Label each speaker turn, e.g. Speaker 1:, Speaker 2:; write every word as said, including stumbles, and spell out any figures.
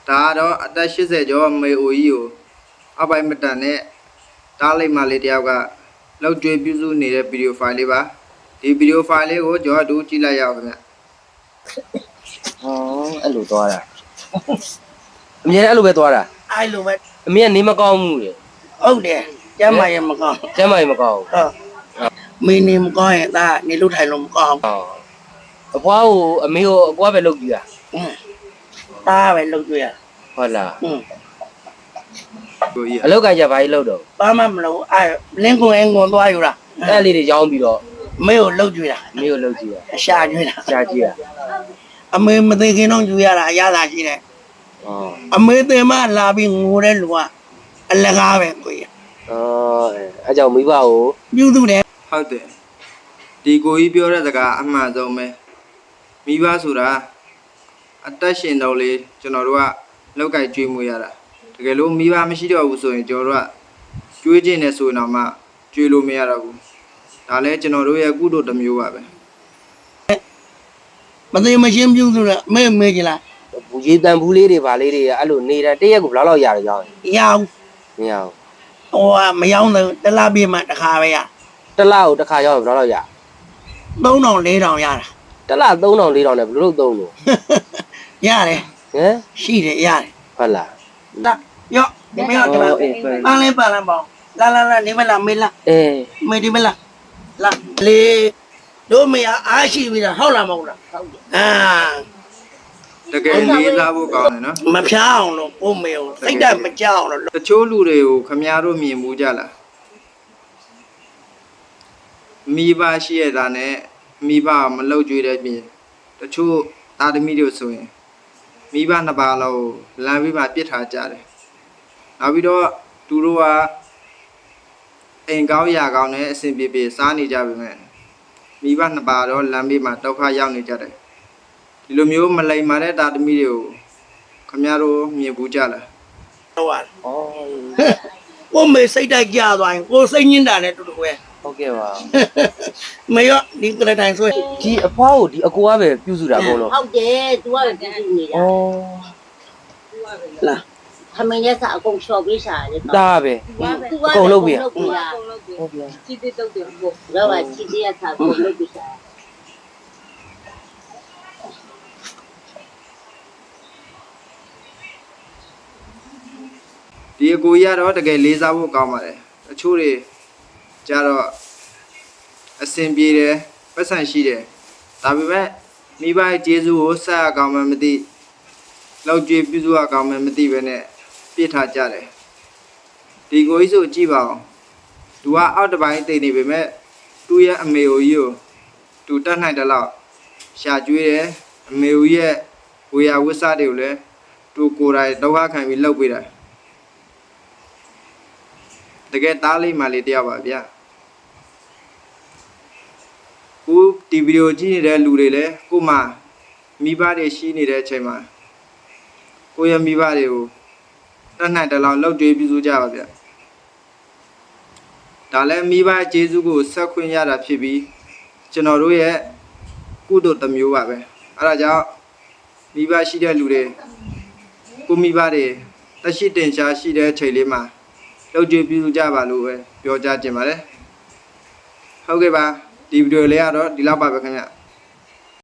Speaker 1: ဒါတော့အသက်eightyကျော်မေအိုကြီးကိုအောက်ပိုင်းမတန်နဲ့တားလိုက်မှလေးတယောက်ကလောက်ကျွေးပြုစုနေတဲ့ဗီဒီယိုဖိုင်လေးပါဒီဗီဒီယိုဖိုင်လေးကိုကျွန်တော်တို့ကြည့်လိုက်ရအောင်ခင်ဗျဟ
Speaker 2: ောအဲ့လိုသွားတာအမြဲအဲ့လိုပဲသွားတာ
Speaker 3: အဲ့လိုပဲ
Speaker 2: အမြဲနေမကောင်းဘူးလေ
Speaker 3: ဟုတ်တယ်ကျမ်းမာရင်မကောင်း
Speaker 2: ကျမ်းမာရင်မကောင်း
Speaker 3: ဟုတ်မင်းနေမကောင်းရင်ဒါနေလို့ထိုင်လို့မကောင်း
Speaker 2: ဟုတ်အဖွားကိုအမေကိုအကွာပဲလုပ်ကြည့်တာ
Speaker 3: อืมဒါပဲလုပ်ကြရ
Speaker 2: ဟုတ်လား
Speaker 3: อืม
Speaker 1: ကိုကြီး
Speaker 2: အလောက်ကကြဘာကြီးလုပ်တော့
Speaker 3: ဘာမှမလုပ်အဲ့လင်းကွန်အင်းကွန်သွားယူတာ
Speaker 2: အဲ့လေးတွေရောင်းပြီးတော့
Speaker 3: မင်းကိုလုပ်ကြတာ
Speaker 2: မင်းကိုလုပ်ကြည့်တာ
Speaker 3: အရှာကျွေးတာ
Speaker 2: ရှာကြည့်တာ
Speaker 3: အမေမသိခင်တော့ယူရတာအရသာရှိတယ်
Speaker 2: ဩ
Speaker 3: အမေတင်မလာပြီးငိုတဲ့လူကအလကားပဲကိုကြီး
Speaker 2: ဩအဲ့ကြောင့်မိဘကို
Speaker 3: ပြုစုတယ်
Speaker 1: ဟုတ်တယ်ဒီကိုကြီးပြောတဲ့စကားအမှန်ဆုံးပဲမိဘဆိုတာအသက်ရှင်တော့လေကျွန်တော်တို့ကလောက်ကကျွေးမွေးရတာတကယ်လို့မိဘမရှိတော့ဘူးဆိုရင်ကျွန်တော်တို့ကကျွေးခြင်းနဲ့ဆိုရင်တော့မှကျွေးလို့မရတော့ဘူးဒါလည်းကျွန်တော်တို့ရဲ့ကုသိုလ်တစ်မျိုးပါပဲ
Speaker 3: မသိမရှင်းပြုစုတယ်အမေမေးကြလား
Speaker 2: ဘူရေတန်ဘူးလေးတွေဗာလေးတွေအဲ့လိုနေတာတရက်ကိုဘယ်လောက်လောက်ရတယ်ရောင်း
Speaker 3: ရအောင်
Speaker 2: မရဘူး
Speaker 3: ဟိုကမရောက်တော့တလားပြေးမှတစ်ခါပဲရ
Speaker 2: တလားကိုတစ်ခါရောက်ဘယ်လောက်လောက်ရ
Speaker 3: သုံးထောင်လေးထောင်ရတာ
Speaker 2: တလားသုံးထောင်လေးထောင်နဲ့ဘယ်လိုလုပ်သုံးလို့
Speaker 3: ရတယ်
Speaker 2: ဟမ်
Speaker 3: ရှိတယ်ရတယ်
Speaker 2: ဟုတ်လား
Speaker 3: ဒါရော့ဒီမရော့ဒီမပန်းလေးပန်းလန်းပေါင်းလာလာလာနေမလားမေးလား
Speaker 2: အေး
Speaker 3: မေးဒီမလားလာလေတို့မရအားရှိပြီလားဟုတ်လားမဟုတ်လားဟုတ်တယ်အာ
Speaker 1: တကယ်လေးစားဖို့ကောင်းတယ်နော်
Speaker 3: မဖျားအောင်လို့ကိုမေကိုစိတ်ဓာတ်မကြောက်အောင်လို့
Speaker 1: တချို့လူတွေကိုခမည်းတော်မြင်မှုကြလားမိဘရှိရတာနဲ့မိဘမလောက်ကြွေးတဲ့ပြင်တချို့သားသမီးတွေဆိုရင်မိဘနှစ်ပါးလောက်လမ်းပြီးမှပြစ်ထားကြတယ်နောက်ပြီးတော့သူတို့ကအိမ်ကောင်းရာကောင်းနဲ့အဆင်ပြေပြေစားနေကြပါမယ်မိဘနှစ်ပါးတော့လမ်းပြီးမှဒုက္ခရောက်နေကြတယ်ဒီလိုမျိုးမလိမ္မာတဲ့သားသမီးတွေကိုခမည်းတော်မြင်ဘူးကြလား
Speaker 3: ဟုတ်ပါဩကိုမေစိတ်ဓာတ်ကြသွားရင်ကိုစိတ်ညစ်တာနဲ့တူတူပဲ
Speaker 2: ဟုတ်ကဲ့ပါ
Speaker 3: မရောဒီကလေးတိုင်းဆွဲ
Speaker 2: ဒီအဖွားကိုဒီအကိုကပဲပြုစုတာအကုန်လုံး
Speaker 4: ဟုတ်တယ် तू ကပဲပြုစုနေတာ
Speaker 3: ဩလာ
Speaker 4: ခမင်းရဲ့စာအကုန်လျှော်ပေးရှာတယ်
Speaker 2: ဒါပဲ
Speaker 4: तू ကအကုန်လုပ်ပေးတာဟုတ်
Speaker 2: ဗျာ
Speaker 4: ချီတိတုတ်တယ်ဘို့တော့ကချီတိရစာအကုန်လုပ်ပေးရှာ
Speaker 1: ဒီအကိုကြီးကတော့တကယ်လေးစားဖို့ကောင်းပါတယ်အချို့တွေကြတော့အစင်ပြေတယ်ပတ်စံရှိတယ်ဒါပေမဲ့မိဘရဲ့ကျေးဇူးကိုဆက်အကောင်းမှမသိလောက်ကျွေးပြုစုအကောင်းမှမသိပဲနဲ့ပြစ်ထားကြတယ်ဒီကိုကြီးဆိုကြည့်ပါဦးသူကအောက်တစ်ပိုင်းတိတ်နေပေမဲ့သူ့ရဲ့အမေကိုကြီးကိုသူတတ်နိုင်တယ်လို့ရှာကျွေးတယ်အမေကိုရဲ့ဝေယဝိစားတွေကိုလည်းသူကိုယ်တိုင်ဒုက္ခခံပြီးလှုပ်ပေးတယ်တကယ်သားလေးမှလေးတယောက်ပါဗျာခုဒီဗီဒီယိုကြည့်နေတဲ့လူတွေလည်းကို့မှာမိဘတွေရှိနေတဲ့အချိန်မှာကိုယ့်ရဲ့မိဘတွေကိုတတ်နိုင်တယ်လို့လှုပ်ကြွေးပြုစုကြပါဗျာဒါလည်းမိဘကျေးဇူးကိုဆက်ခွင့်ရတာဖြစ်ပြီးကျွန်တော်တို့ရဲ့ကုသိုလ်တစ်မျိုးပါပဲအဲဒါကြောင့်မိဘရှိတဲ့လူတွေကိုမိဘတွေတက်ရှိတင်ရှားရှိတဲ့အချိန်လေးမှာလှုပ်ကြွေးပြုစုကြပါလို့ပဲပြောကြားခြင်းပါတယ်ဟုတ်ကဲ့ပါဒီဗီဒီယိုလေးကတော့ဒီလောက်ပါပဲခင်ဗျ